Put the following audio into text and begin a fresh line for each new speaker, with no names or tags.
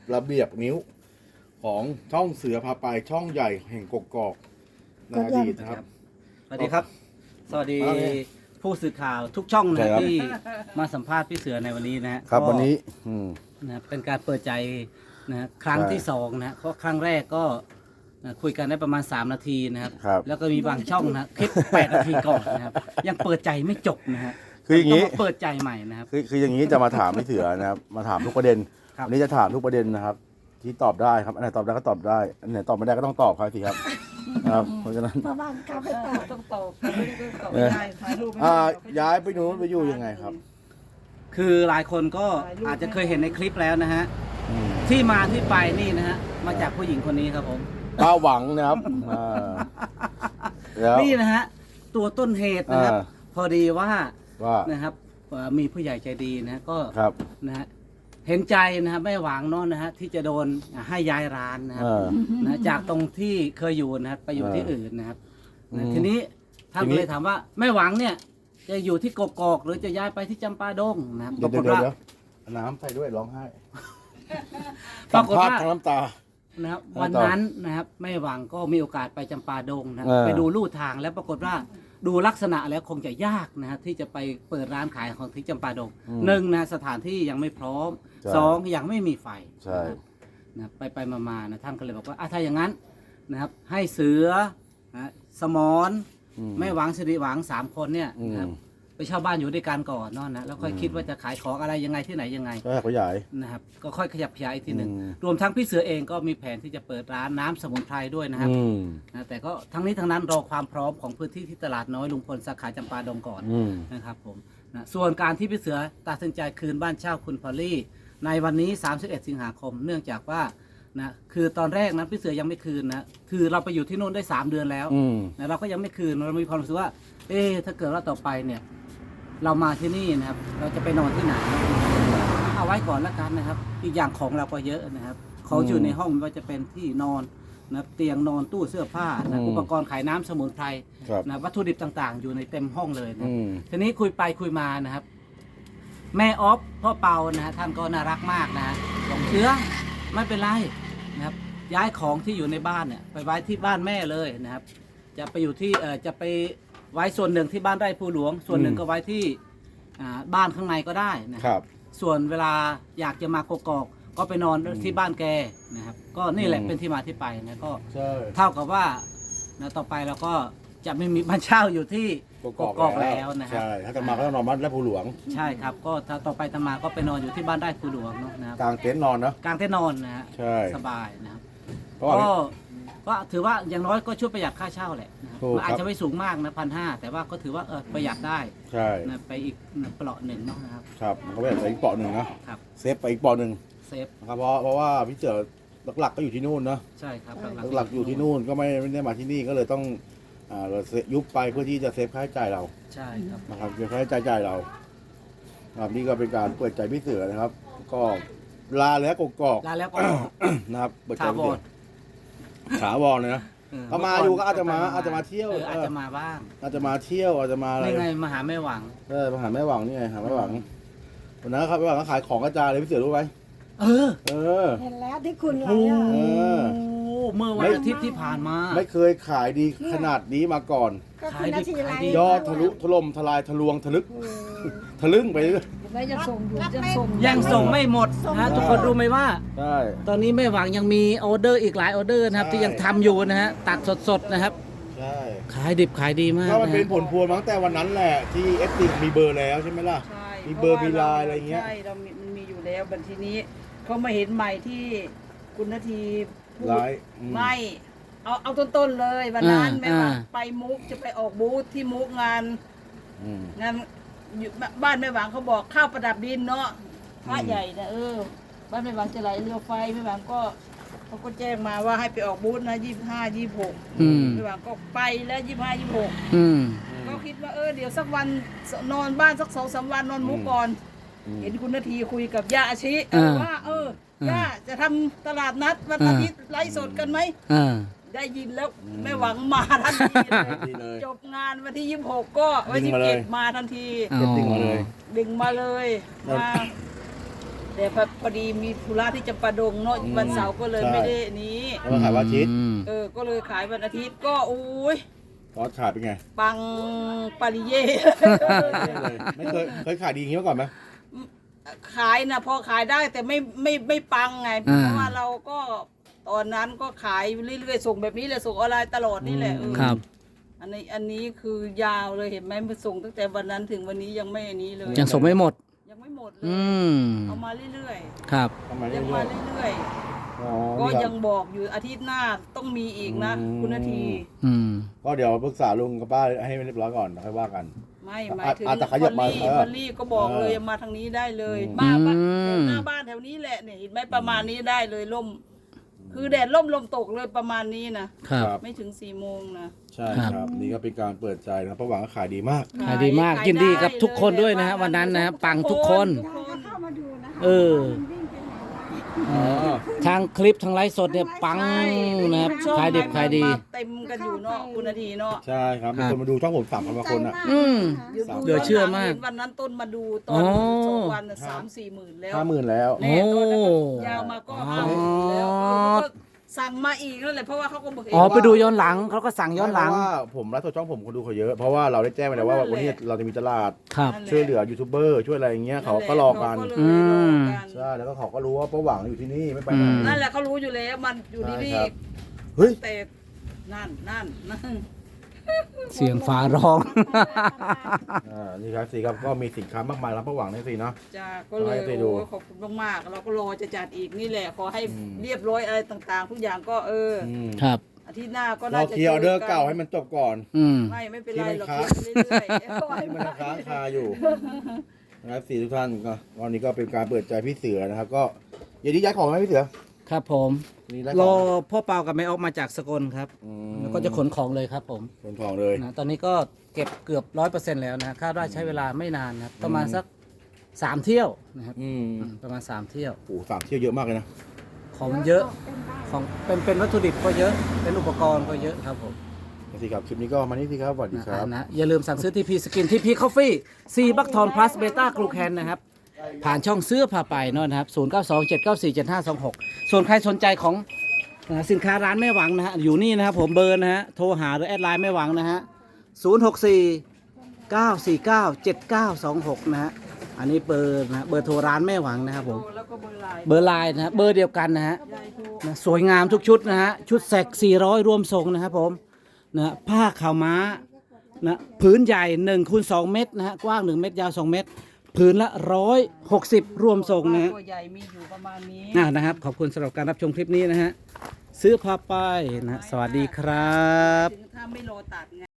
ระเบียบนิ้วของช่องเสือพาไปช่องใหญ่แห่งกกอกในอดีตนะครับ
สวัสดีครับ สวัสดีผู้สื่อข่าวทุกช่องนะที่มาสัมภาษณ์พี่เสือในวันนี้นะฮะ
ครับ
ก็
วันนี้
นะเป็นการเปิดใจนะครั้งที่2นะเพราะครั้งแรกก็คุยกันได้ประมาณ3นาทีนะครับ
ครับ
แล้วก็มีบางช่องนะคลิป8นาทีก่อนนะครับยังเปิดใจไม่จบนะฮะ
คืออย่างนี้
นี้เปิดใจใหม่นะครับ
คืออย่างนี้จะมาถามพี่เสือนะครับมาถามทุกประเด็น
ครับ
วันนี้จะถามทุกประเด็นนะครับ ที่ตอบได้ครับอันไหนตอบได้ก็ตอบได้อันไหนตอบไม่ได้ก็ต้องตอบครับสิครับครับเพราะฉะนั้น
ประมาณกลับไปตอบ
ต้องตอบไม่ได้ถ่ายรูปไม่ได้
ย้ายไปนู้นไปอยู่ยังไงครับ
คือหลายคนก็อาจจะเคยเห็นในคลิปแล้วนะฮะที่มาที่ไปนี่นะฮะมาจากผู้หญิงคนนี้ครับผม
ป้าหวังนะครับแล้ว
นี่นะฮะตัวต้นเหตุนะครับ พอดีว่า
ว่า
นะครับมีผู้ใหญ่ใจดีนะก็
ครับ
นะฮะเห็นใจนะครับไม่หวังเนอนนะฮะที่จะโดนให้ย้ายร้านนะครับนะจากตรงที่เคยอยู่นะครับไปอยู่ที่อื่นนะครับนะทีนี้ท่านก็เลยถามว่าไม่หวังเนี่ยจะอยู่ที่กกอกหรือจะย้ายไปที่จำปาดงนะครับป
เดี๋ย
ราว กฏ
เดี๋ยว
ว่า
เดี๋ยวน้ำใส่ด้วยร้องไห้
ป
สั
ราม กฏ
ภาษ
ว่า
ณ์ทั้งน้ำตา
นะครับ
ต่อ
วันนั้นนะครับไม่หวังก็มีโอกาสไปจำปาดงนะครับ
เออ
ไปดูลู่ทางแล้วปรากฏว่าดูลักษณะแล้วคงจะยากนะฮะที่จะไปเปิดร้านขายของที่จำปาดงหนึ่งนะสถานที่ยังไม่พร้อม
ใช่
สองยังไม่มีไฟ
ใช่
นะครับไปมานะท่านก็เลยบอกว่าถ้าอย่างนั้นนะครับให้เสือนะสมอนแม่หวังสิริหวัง3คนเนี่ยนะครับไปเช่าบ้านอยู่ด้วยกันก่อนเนอนนะแล้วค่อยคิดว่าจะขายของอะไรยังไงที่ไหนยังไง
ก็ขยาย
นะครับก็ค่อยขยับขยายอีกทีหนึ่ง
อืม
รวมทั้งพี่เสือเองก็มีแผนที่จะเปิดร้านน้ำสมุนไพรด้วยนะครับนะแต่ก็ทั้งนี้ทั้งนั้นรอความพร้อมของพื้นที่ที่ตลาดน้อยลุงพลสาขาจำปาดงก่อนนะครับผมนะส่วนการที่พี่เสือตัดสินใจคืนบ้านเช่าคุณพอลลี่ในวันนี้ 31 สิงหาคม เนื่องจากว่านะคือตอนแรกนะพี่เสือยังไม่คืนนะคือเราไปอยู่ที่โน่นได้3 เดือนแล้วนะเราก็ยังไม่คืนเรามีความรู้สึกว่าถ้าเกิดว่าต่อไปเนี่ยเรามาที่นี่นะครับเราจะไปนอนที่ไหน เอาไว้ก่อนละกันนะครับ อีกอย่างของเราก็เยอะนะครับของอยู่ในห้องไม่ว่าจะเป็นที่นอนนะเตียงนอนตู้เสื้อผ้านะอุปกรณ์ขายน้ำสมุนไพร
ครับ
นะวัตถุดิบต่างๆ อยู่ในเต็มห้องเลยนะ
อืม
ทีนี้คุยไปคุยมานะครับ แม่ออฟพ่อเปานะฮะท่านก็น่ารักมากนะบอกเชื้อไม่เป็นไรนะครับ ย้ายของที่อยู่ในบ้านเนี่ยไปไว้ที่บ้านแม่เลยนะครับ จะไปอยู่ที่จะไปไว้ส่วนหนึ่งที่บ้านไร่ภูหลวง ส่วนหนึ่งก็ไว้ที่บ้านข้างในก็ได้นะ
ครับ
ส่วนเวลาอยากจะมากกอกก็ไปนอนที่บ้านแกนะครับ ก็นี่แหละเป็นที่มาที่ไปนะก็
ใช่
เท่ากับว่านะต่อไปเราก็จะไม่มีบ้านเช่าอยู่ที่กกอกแล้วนะครับ
ใช่ถ้าจะมาก็ต้องนอนบ้านและภูหลวง
ใช่ครับก็ถ้าต่อไปทำมาก็ไปนอนอยู่ที่บ้านได้คูหลวงเนาะนะครับ
กลางเต็นท์นอนนะ
กลางเต็นท์นอนนะฮะ
ใช่
สบายนะครับ
เพราะว่า
ก็ถือว่าอย่างน้อยก็ช่วยประหยัดค่าเช่าแหละนะครับ
ถูก
มันอาจ
ครั
จะ
บ
ไม่สูงมากนะ1,500แต่ว่าก็ถือว่าประหยัดได้
ใช่
นะไปอีกเปราะหนึ่งเนาะนะครับ
ครับมันก็ไปอีกเปาะหนึ่งนะครับ เซฟไปอีกเปาะหนึ่ง
เซฟ
นะครับเพราะว่าพี่เจอหลักๆก็อยู่ที่นู่นเนอะ
ใช่ครับ
หลักๆอยู่ที่นู่นก็ไม่ได้มาที่นี่ก็เลยต้องเรายุบไปเพื่อที่จะเซฟค่าใช้จ่ายเรา
ใช่ครับ
นะครับเซฟค่าใช้จ่ายเราครับนี่ก็เป็นการเปิดใจพี่เสือนะครับ ก็ลาแล้วกกอก
ลาแล้วก็
นะครับเปิดใจ
ถา
พี่
ว
เสื
ร
อถาวรเลยนะ ก็มาอยู่ก็อาจจะมาเที่ยว
อาจจะมาบ้าง
อาจจะมาเที่ยวอาจจะมาอะไร
นี่ไงมาหาแม่หวัง
มาหาแม่หวังนี่ไงหาแม่หวังวันนั้นครับแม่หวังก็ขายของกระจายเลยพี่เสือรู้ไหม
เออ
เออ
เห็นแล้วที่คุณไว้
โอ้
อะ
เออ
เมื่อวันอาทิตย์ที่ผ่านมา
ไม่เคยขายดีขนาดนี้มาก่อน
ก็คุณนาทีไร
ขายดิบ
ยอดทะลุถล่มทลายทะลวงทะลึกทะลึ่งไปเรื่อย
แล้วจะส่งอยู่จะส่ง
ยังส่งไม่หมดนะทุกคนรู้ไหมว่า
ใช่
ตอนนี้แม่หวังยังมีออเดอร์อีกหลายออเดอร์นะครับ
ใช่
ที่ยังทำอยู่นะฮะตัดสดๆนะครับ
ใช่
ขายดิบขายดีมาก
ก็มัน
นะ
เป็น
ฮะ
ผลพวงมาตั้งแต่วันนั้นแหละที่เอฟซีมีเบอร์แล้วใช่ไหมล่ะ
ใช่
มีเบอร์มีไลน์อะไรเงี้ย
ใช่มันมีอยู่แล้วบัดทีนี้เขามาเห็นใหม่ที่คุณนาทีพูด
ไลน์
ไม่เอาต้นๆเลยวันนั้นแม่หวังไปมุกจะไปออกบูธที่มุกงาน
อืม
งานอยู่บ้านแม่หวังเขาบอกข้าวประดับดินเนาะพระใหญ่นะบ้านแม่หวังจะไหลเรือไฟแม่หวังก็เขาก็แจ้งมาว่าให้ไปออกบูธนะ25 26แม่หวังก็ไปแล้ว25 26
อืม
ก็คิดว่าเดี๋ยวสักวันนอนบ้านสัก2-3 วันนอนมุกก่อน เห็นคุณนาทีคุยกับย่าอาชิว่าย่าจะทำตลาดนัดวันอาทิตย์ไลฟ์สดกันไหม
อ่า
ได้ยินแล้วแม่หวังมาทันที
ดีเลย
จบงานวันที่26ก็วันที่
ดึงมาเลย
27มาทันที
เก็บติ้งมาเลย
ดึงมาเลยมาแต่พอดีมีธุระที่จำปาดงเนาะวันเสาร์ก็เลยไม่ได้นี้
แล้วมาขายวันอาทิตย์
ก็เลยขายวันอาทิตย์ก็อุ้ย
ตอนขายเป็นไง
ปังปาริเย่
ไม่เคยขายดีอย่างนี้มาก่อนไหม
ขายนะพอขายได้แต่ไม่ปังไงเพราะว่าเราก็ตอนนั้นก็ขายเรื่อยๆส่งแบบนี้เลยส่งออนไลน์ตลอดนี่แหละ
ครับ
อันนี้คือยาวเลยเห็นไหมมันส่งตั้งแต่วันนั้นถึงวันนี้ยังไม่อันนี้เลย
ยังส่งไม่หมด
ยังไม่หมดเลย
อืม
เอามาเรื่อย
ครับ
ทำไม
ๆ
เรื่
ยัง
อ
มาย เรื่อย
ๆอ๋อ
ๆก็
นี่ค
ยั
รับ
งบอกอยู่อาทิตย์หน้าต้องมีอีกนะ คุณนาที
อืม
ก็เดี๋ยวปรึกษาลุงกับป้าให้เรียบร้อยก่อนแล้วค่อยว่ากัน
ไม่หมายถึง
อาจจะขยับมา
พอลลี่ก็บอกเลยมาทางนี้ได้เลย
อืม
มาบ้านหน้าบ้านแถวนี้แหละเนี่ยเห็นไหมประมาณนี้ได้เลยล่ม คือแดดล่มลมตกเลยประมาณนี้นะครับ ไม่ถึง4 โมงนะ
ใช่ครับ นี่ก็เป็นการเปิดใจนะครับประหวังก็ขายดีมาก
ขายดีมากยินดีกับทุกคนด้วยนะฮะวันนั้นนะฮะปังทุกคน
อยากจะเข้ามาดูนะ
เออ
มันวิ่งไปไหนวะ
อ๋อ
ทางคลิปทางไลฟ์สดเนี่ยปังนะครับ
ช่อง
ขายดิบขายดี
มาเต็มกันอยู่เนาะคุณนาทีเนาะ
ใช่ครับมีคนมาดูช่องผม3,000 กว่าคนอ่ะ
อืม
สาม
เหลือเชื่อมาก
วันนั้นต้นมาดูต
อ๋
อน
อ
2 วัน3-4 หมื่นแล้ว
50,000แล้ว
โอ้
แน่ตอนนั้นยาวมาก็
อ๋อ
50,000แล้วก็สั่งมาอีกนั่นแหละเพราะว่าเขาก็บอกเห็น
อ๋อไปดูย้อนหลังเขาก็สั่งย้อนหลัง
เพราะว่าผมไลฟ์สดช่องผมคนดูเขาเยอะ เพราะว่าเราได้แจ้งไปแล้วว่าวันนี้เราจะมีตลาด
ครับ
ช่วยเหลือยูทูบเบอร์ช่วยอะไรอย่างเงี้ยเขาก็รอกัน
เขาเลยรอกัน
ใช่แล้วก็เขาก็รู้ว่าประหวังอยู่ที่นี่ไม่ไปไหน
อืม
นั่นแหละเขารู้อยู่แล้วมันอยู่ที่นี่
ใช่ครับ เฮ้ย
แต่นั่น
เสียงฟ้าร้อง
นี่ครับสิครับก็มีสินค้ามากมายรับประหวังในสิเนาะ
จ้าก็เลย
ให้ไปดู
โอ้ขอบคุณมากๆเราก็รอจะจัดอีกนี่แหละขอให้
อืม
เรียบร้อยอะไรต่างๆ ทุกอย่างก็
ครับ
อาทิตย์หน้าก็
รอ
น่าจะ
เคลียร์ออเดอร์เก่าให้มันจบก่อน
อืม
ไม่เป็นไรหรอก
ที่มันค้าง
เรื่อยๆ
ที่มันค้างคาอยู่นะครับสี่ทุกท่านก็วันนี้ก็เป็นการเปิดใจพี่เสือนะครับ ก็อย่าดีย้ายของไหมพี่เสือ
ครับผม
นี่ได้
ร
ข
อ
อง
พ่อเปากับแม่ออกมาจากสกลครับ
อืม
แล้วก็จะขนของเลยครับผม
ขนของเลย
นะตอนนี้ก็เก็บเกือบ100%แล้วนะคาดว่าใช้เวลาไม่นานนะครับประมาณสัก3 เที่ยวนะครับ
อืม
ประมาณ3 เที่ยว
โอ้โห3 เที่ยวเยอะมากเลยนะ
ของมันเยอะของเป็นวัตถุดิบก็เยอะเป็นอุปกรณ์ก็เยอะครับผม
สิครับคลิปนี้ก็มานี่สิครับสวัสดีครับ
นะอย่าลืมสั่งซื้อทีพีสกินทีพีคอฟฟี่4บัคทอนพลัสเบต้ากลูแคนนะครับผ่านช่องเสื้อผ่าไปเนอะนะครับ0927947526ส่วนใครสนใจของสินค้าร้านแม่หวังนะฮะอยู่นี่นะครับผมเบอร์นะฮะโทรหาหรือแอดไลน์แม่หวังนะฮะ0649497926นะฮะอันนี้เบอร์นะเบอร์โทรร้านแม่หวังนะครับผม
แล้วก็เบอร์ไลน์
เบอร์ไลน์นะฮะเบอร์เดียวกันนะฮะ
ยายโทร
นะสวยงามทุกชุดนะฮะชุดแสก400รวมทรงนะครับผมนะผ้าขาวม้านะผืนใหญ่1 คูณ 2 เมตรนะฮะกว้าง1 เมตรยาว2 เมตรผืนละ160รวมทรงนะฮะ
ตัวใหญ่มีอยู่ประมาณนี้
นะครับขอบคุณสำหรับการรับชมคลิปนี้นะฮะซื้อผ้าป้ายนะฮะสวัสดีครับ
ถึงถ้าไม่รอตัดไง